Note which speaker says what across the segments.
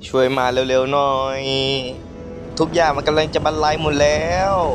Speaker 1: ช่วยมาเร็วๆหน่อย ทุกอย่างมันกำลังจะบรรลัยหมดแล้ว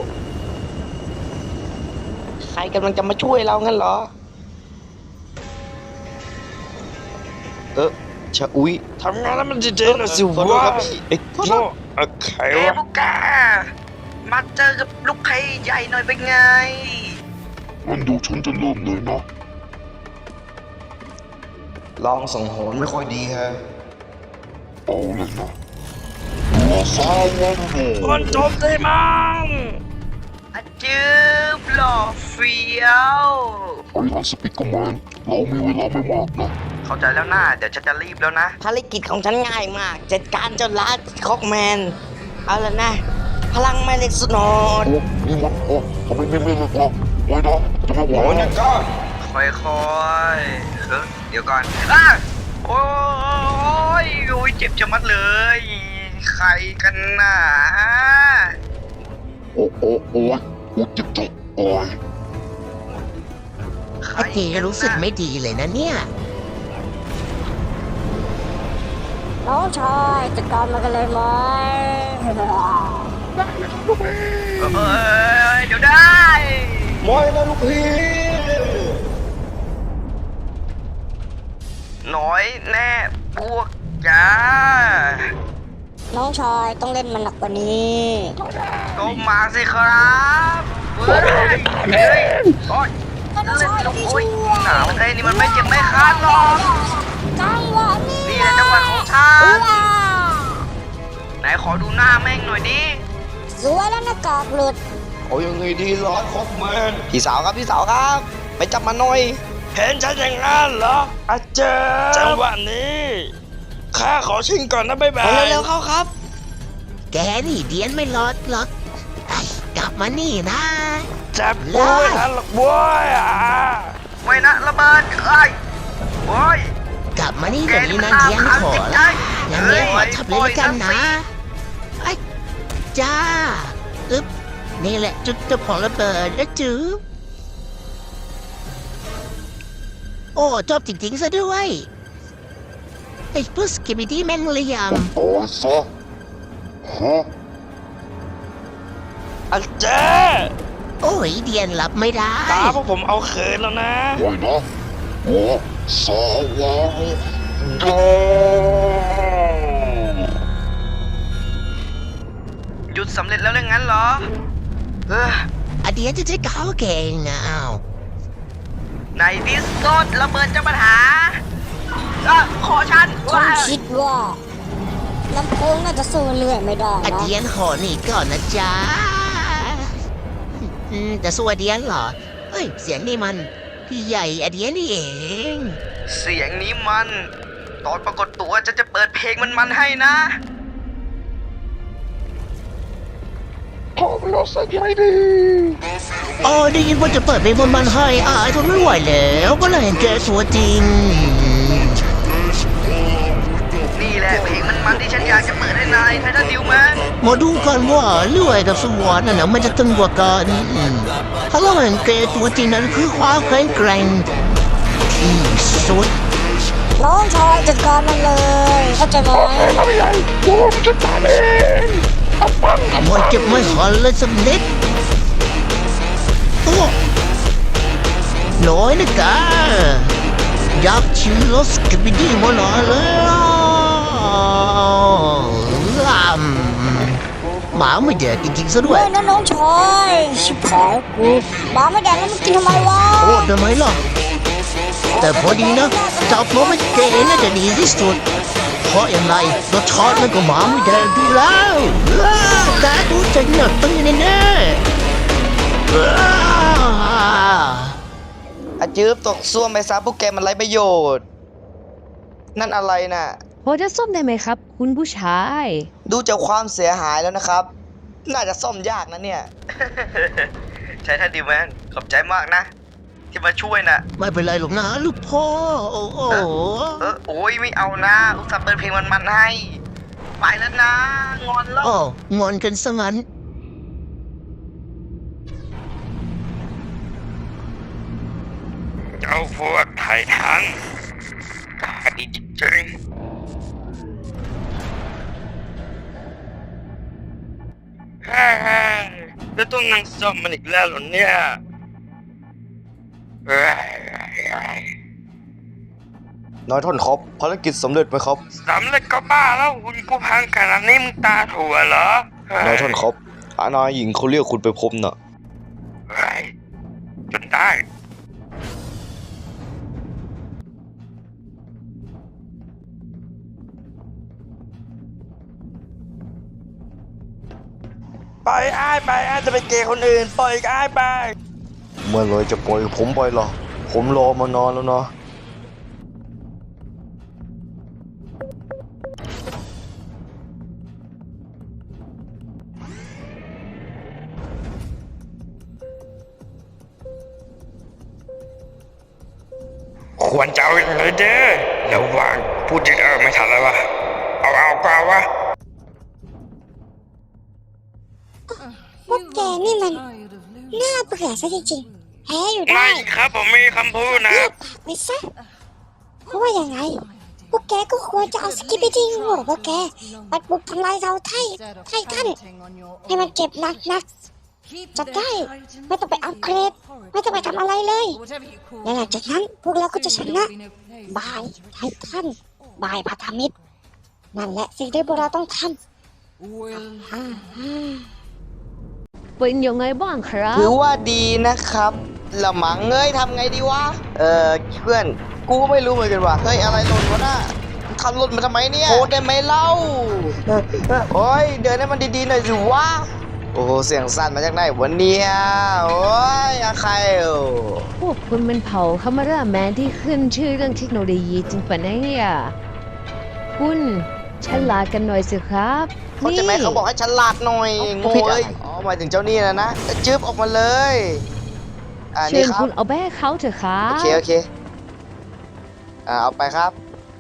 Speaker 1: ใครกำลังจะมาช่วยเรางั้นเหรอชะอุ๊ยทำงานแล้วมันจะเจ๊นะสิวะไอ้โง่ใครวะ
Speaker 2: พวกแกมาเจอกับลูกเพย์ใหญ่หน่อยเป็นไง
Speaker 3: มันดูฉันจะเริ่มเลยนะ
Speaker 1: ลองส่งโหนไม่ค่อยดีฮะ
Speaker 3: เอาเลยนะตัวสาววันโด
Speaker 2: คนจบได้มั้งอาจืบหล่อเฟี้ยว
Speaker 3: ไอ้ฮันสปิกเกอร์แมนเรามีเวลาไม่มากนะ
Speaker 2: เข้าใจแล้วนะเดี๋ยวฉันจะรีบแล้วนะ
Speaker 4: ภารกิจของฉันง่ายมาก จัดการเจ้าลัดคอกแมน เอาละนะ พลังแม่เหล็กสนอด
Speaker 3: โอ้นี่มันโอ้ทำไมไม่เล่นเลยล่ะไว้นะจะไม่ไหว
Speaker 1: โอ้ย
Speaker 3: นะ
Speaker 1: นะก็
Speaker 2: ค่อยๆเดี๋ยวก่อนโอ้ยโอ้ยเจ็บชะมัดเลย ใครกันน่ะ
Speaker 3: โอ้โอ้โอ้ยโอ้เจ็บจังโอ้ย
Speaker 2: ใคร
Speaker 5: ไอ้เจรู้สึกไม่ดีเลยนะเนี่ย
Speaker 4: น้องชายจัดการมันกันเลยไหม
Speaker 2: เดี๋ยวได้
Speaker 1: มอยนะลูกพี่
Speaker 2: น้อยแน่พวกจ้า
Speaker 4: น้องชายต้องเล่นมันหนักกว่านี้
Speaker 2: ก็มาสิครับเฮ้ยเฮ้ยโอ้ย
Speaker 4: น้องชายที่
Speaker 2: โอ้ย
Speaker 4: ช่วย
Speaker 2: หนาวเอ้ยนี่มันไม่เจ็บไม่คันหรอก
Speaker 4: จังหวะนี้
Speaker 2: นี่แหละจังหวะของฉันไหนขอดูหน้าแม่งหน่อยดิ
Speaker 4: สวยแล้วหน้ากากหลุด
Speaker 1: เอายังไงดีล่ะคอกแมนพี่สาวครับพี่สาวครับ ไปจับมาหน่อย เห็นฉันอย่างนั้นเหรออาจารย์จังหวะนี้ข้าขอชิงก่อนนะบ๊ายบาย
Speaker 4: เร็วๆเข้าครับ
Speaker 5: แกนี่เดียนไม่รอดหรอกไอ้กลับมานี่นะ
Speaker 1: จับกูไม่ทันหรอกบ้วยอ่ะ
Speaker 2: ไม่นะระเบิดเอ้ยโอ้ย
Speaker 5: กลับมานี่เดี๋ยวนี้นะเดียนขอละอย่างเงี้ยขอทับเลยละกันนะไอ้จ้าอึ๊บนี่แหละจุดเจ้าของระเบิดนะจื๊บโอ้ชอบจริงๆซะด้วยไอ้พวกสกิบิดี้แม่งเหลี่ยม
Speaker 3: โอ้ยซะฮะ
Speaker 1: อาจารย์
Speaker 5: โอ้ยเดียนรับไม่ได้
Speaker 1: ตาพวกผมเอาเขินแล้วนะ
Speaker 3: ไว้นะโอ้สาววันโด
Speaker 2: หยุดสำเร็จแล้วเรื่องนั้นเหรออ
Speaker 5: อะเดียนจะใช้ก้าวเก่งอะอ้าว
Speaker 2: ในดิสโก้ระเบิดจะปัญหาขอฉัน
Speaker 4: ฉันคิดว่าลำโพงน่าจะสู้เรื่อยไม่ได้
Speaker 5: อะ
Speaker 4: นะ
Speaker 5: เดียนขอหนีก่อนนะจ๊ะแต่สู้อะเดียนเหรอเฮ้ยเสียงนี่มันพี่ใหญ่อะเดียนนี่เอง
Speaker 2: เสียงนี้มัน ตอนปรากฏตัวจะเปิดเพลงมันให้นะ
Speaker 3: ขอเราสักไม่ดี
Speaker 5: อ๋อได้ยินว่าจะเปิดเพลงบนบันให้อายทนไม่ไหวแล้วก็เลยเห็นแกตัวจริง
Speaker 2: นี่แหละเพลงมันที่ฉันอยากจะเปิดให้นายไททันดิวแมน
Speaker 5: มาดูกันว่าเลื่อยกับสวรรค์น่ะนะมันจะตึงกว่ากันถ้าเราเห็นแกตัวจริงนั้นคือความแข็งแกร่งที่สุด
Speaker 4: น้องชายจัดการมันเลย เข้าใจไหม
Speaker 3: ไม่ใหญ่ผมจะตามเองเอาปัง
Speaker 5: มันเจ็บไม่หันเลยสักนิดโอ้น้อยนะกาอยากชิมรสกับบิดี้มาหน่อยแล้วหมาไม่แดกจริงๆซะด้ว
Speaker 4: เฮ้
Speaker 5: ย
Speaker 4: ยนะน้องชายชิบหายกูหมาไม่แดงแล้วมันกินทำไมวะ
Speaker 5: โอ้ทำไมล่ะแต่พอดีนะจับหมาไม่แกน่าจะดีที่สุดเพราะอย่างไรรสชาติมันก็หมาไม่แดงดีแล้วแกดูจะหนักตั้งแน่ๆ
Speaker 1: อาจืบตกซ่วมไปซะพวกแกมันไร้ประโยชน์ นั่นอะไรน่ะ
Speaker 6: พอจะซ่อมได้ไหมครับ คุณผู้ชาย
Speaker 1: ดูจากความเสียหายแล้วนะครับ น่าจะซ่อมยากนะเนี่ย
Speaker 2: ไททันดิวแมนขอบใจมากนะ ที่มาช่วยนะ
Speaker 5: ไม่เป็นไรหรอกนะลูกพ่อโอ้โห
Speaker 2: โอ้ยไม่เอานะอุตส่าห์เปิดเพลงมันให้ ไปแล้วนะ งอนแล้ว
Speaker 5: โอ้งอนกันซะงั้น
Speaker 1: เจ้าพวกไททันกล้าดีจริงแล้วต้องนั่งซ่อมมันอีกแล้วเหรอเนี่ยนายท่านครับภารกิจสำเร็จไหมครับสำเร็จก็บ้าแล้วคุณกูพังขนาดนี้มึงตาถั่วเหรอนายท่านครับนายหญิงเขาเรียกคุณไปพบน่ะจนได้ปล่อยอ้ายไปอ้ายจะไปเกย์คนอื่นปล่อยอ้ายไปเมื่อไรจะปล่อยผมไปล่ะผมรอมานานแล้วนะควรจะเอาอย่างไรเด้อแล้ววางพูดยังไม่ทันแล้ววะเอากว่าวะ
Speaker 7: พวกแกนี่มันน่าเบื่อซะจริงๆแพ้อยู่ได้
Speaker 1: ไม่ครับผมมีคำพูดนะ
Speaker 7: เงียบปากไปซะเพราะว่ายังไงพวกแกก็ควรจะเอาสกิปปี้ทิ้งหัวพวกแกปัดบุกทำลายเราไททันให้มันเจ็บหนักๆจัดได้ไม่ต้องไปอัปเกรดไม่ต้องไปทำอะไรเลยและหลังจากนั้นพวกเราก็จะชนะบายไททันบายพันธมิตรนั่นแหละสิ่งที่พวกเราต้องทำ
Speaker 6: เป็นยังไงบ้างครับ
Speaker 4: ถือว่าดีนะครับละมังเอ้ยทำไงดีวะ เพื่อน กูก็ไม่รู้เหมือนกันว่ะ เฮ้ย อะไรหล่นวะน่ะทำหล่นมาทำไมเนี่ยโคตรได้ไหมเล่า โอ้ย เดินให้มันดีๆหน่อยสิวะ โอ้โห เสียงสั่นมาจากไหนวะเนี่ยโอ้ยอาใคร
Speaker 6: พวกคุณเป็นเผ่าคามาราแมนที่ขึ้นชื่อเรื่องเทคโนโลยีจริงปะเนี่ยคุณฉลาดกันหน่อยสิครับ
Speaker 4: เขาจะไหมเขาบอกให้ฉลาดหน่อยโง่เอ้ยอ๋อหมายถึงเจ้านี่นะจึ๊บออกมาเลย
Speaker 6: เชิญ
Speaker 4: นี่ครับ
Speaker 6: คุณเอาแบ้เขาเถอะครั
Speaker 4: โอบ เคเอาไปครับ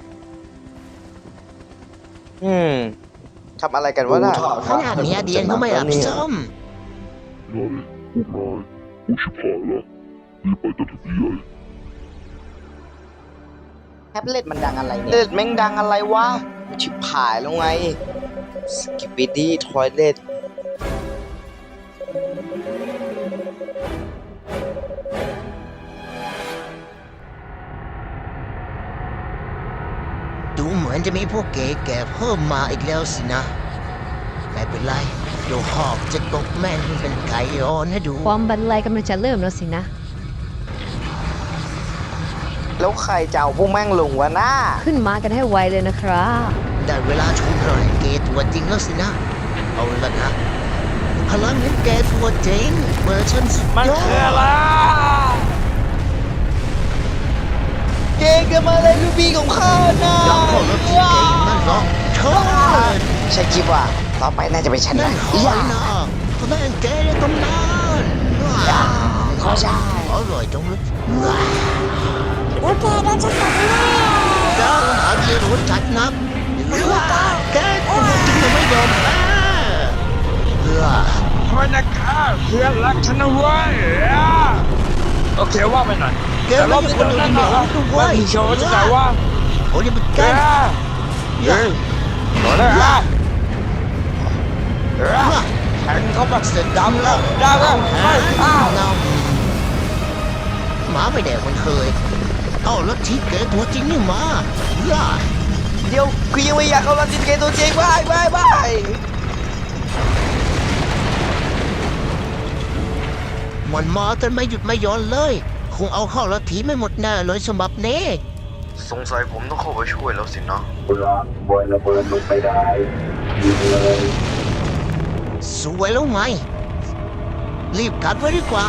Speaker 4: ทำอะไรกันวะน่ะ
Speaker 5: ขนาดเนี้ยเดียนก็ไม่รับซ่อม
Speaker 4: แท็บเล็ตมันดังอะไรเนี่ยเล็ตแม่งดังอะไรวะชิบหายแล้วไงสกิปปี้ดี้ทอยเล็ต
Speaker 5: ดูเหมือนจะมีพวกเก๋แก่เพิ่มมาอีกแล้วสินะไม่เป็นไรเดี๋ยวหอกจะตกแม่งให้เป็นไก่อ่อนให้ดู
Speaker 6: ความบันไลกำลังจะเริ่มแล้วสินะ
Speaker 4: แล้วใครจะเอาพวกแม่งลงวะน้า
Speaker 6: ขึ้นมากันให้ไวเลยนะครับ
Speaker 5: ได้เวลาชมรอยเกตัวจริงแล้วสินะ เอาละนะพลังเห็นแกตัวจริงเวอร์ชันสุดยอด
Speaker 4: เก่งกันมาเลยลูกพี่ของข้านะ
Speaker 5: ยอมขอรับที่เก่งนั่นหรอกเชิญ
Speaker 4: ใช่คิดว่าต่อไปน่าจะเป็นฉัน
Speaker 5: นั่
Speaker 4: นะ
Speaker 5: นหอยนะพลังแกในตำนาน
Speaker 4: ขอใช่
Speaker 5: อร่อยจังเลย
Speaker 7: แล้วแกโดนฉันตบแน่
Speaker 5: เจ้าหาที่รู้จักนักแกตัวจริงจะไม่ยอมแพ้
Speaker 1: คอยนะครับเพื่อนรักฉันนะเว้ยโอเคว่าไปหน่อย
Speaker 5: แกไม่ใช่คนอื่นเหรอด้วย
Speaker 1: มีโชว์ที่ไหนวะ
Speaker 5: โอ้ยมันแก
Speaker 1: เฮ้ยหน่อยนะฮะแข่งเขาแบบเสร็จดำแล้วได้แล้วอ้าว
Speaker 5: หมาไม่แดกมันเคยเอาแล้วที่แกตัวจริงนี่มา
Speaker 4: เดี๋ยวคือยังไม่อยากเข้ารับจิตเกตัวจริงบาย
Speaker 5: มันมาจนไม่หยุดไม่หย่อนเลย คงเอาเข้าละทีไม่หมดแน่เลยสำหรับเน่
Speaker 2: สงสัยผมต้องเข้าไปช่วยแล้วสินะ
Speaker 5: สวยแล้วไง รีบกัดไว้ดีกว่า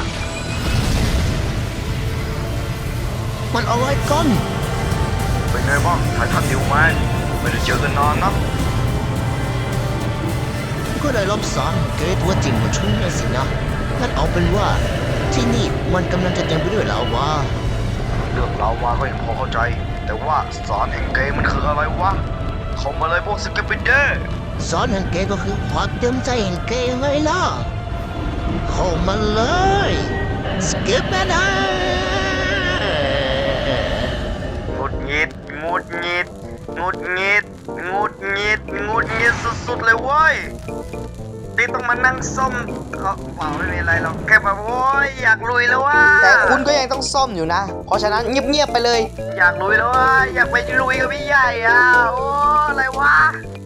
Speaker 5: มันอะไรกัน
Speaker 2: เป็นไงบ้างถ่ายทันดิวไหมไม่ได้เจอกันนานนะ
Speaker 5: ก็ได้รับสารเกตตัวจริงมาช่วยนะสินะงั้นเอาเป็นว่าที่นี่มันกำลังจะเต็มไปด้วยลาวา
Speaker 2: เรื่องเราวาก็ยังพอเข้าใจ แต่ว่าสารแห่งเกย์มันคืออะไรวะเข้ามาเลยพวกสกิปปิเดอร์
Speaker 5: สารแห่งเกตก็คือความเต็มใจแห่งเกตไงล่ะเข้ามาเลยสกิปนะ
Speaker 2: หงุดหงิดหงุดหงิดหงุดหงิดหงุดหงิดหงุดหงิดสุดๆเลยเว้ยที่ต้องมานั่งซ่อมเขาเปล่าไม่มีอะไรหรอกแค่แบบโอ้ยอยากลุยแล้วว่า
Speaker 4: แต่คุณก็ยังต้องซ่อมอยู่นะ เพราะฉะนั้นเงียบๆไปเลย
Speaker 2: อยากลุยแล้วว่าอยากไปลุยกับพี่ใหญ่อ่ะโอ้อะไรวะ